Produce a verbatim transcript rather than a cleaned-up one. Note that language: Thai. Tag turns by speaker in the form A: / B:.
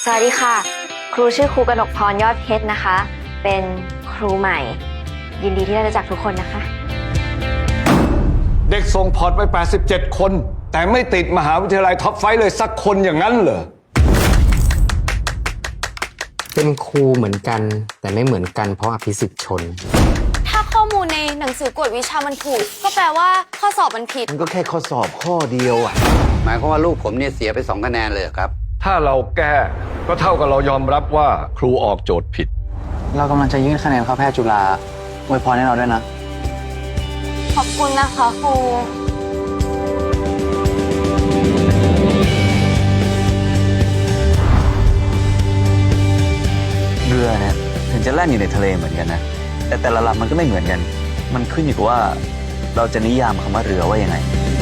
A: สวัสดีค่ะครูชื่อครูกนกพรยอดเพชรนะคะ เป็นครูใหม่ ยินดีที่ได้รู้จักทุกคนนะคะ
B: เด็กส่งพอร์ตไปแปดสิบเจ็ดคนแต่ไม่ติดมหาวิทยาลัยท็อปไฟว์เลยสักคนอย่างนั้นเหรอ
C: เป็นครูเหมือนกันแต่ไม่เหมือนกันเพราะอภิสิทธิ์ชน
A: ถ้าข้อมูลในหนังสือกวดวิชามันถูกก็แปลว่าข้อสอบมันผิด
D: มันก็แค่ข้อสอบข้อเดียวอ่ะหมายความว่าลูกผมเนี่ยเสียไปสองคะแนนเลยครับ
B: ถ้าเราแก้ก็เท่ากับเรายอมรับว่าครูออกโจทย์ผิด
E: เรากำลังจะยื่นคะแนนเข้าแพทย์จุฬาอวยพรให้เราด้วยนะ
A: ขอบคุณนะคะครู
E: เรือเนี่ยถึงจะแล่นอยู่ในทะเลเหมือนกันนะแต่แต่ละลำมันก็ไม่เหมือนกันมันขึ้นอยู่กับว่าเราจะนิยามคำว่าเรือว่ายังไง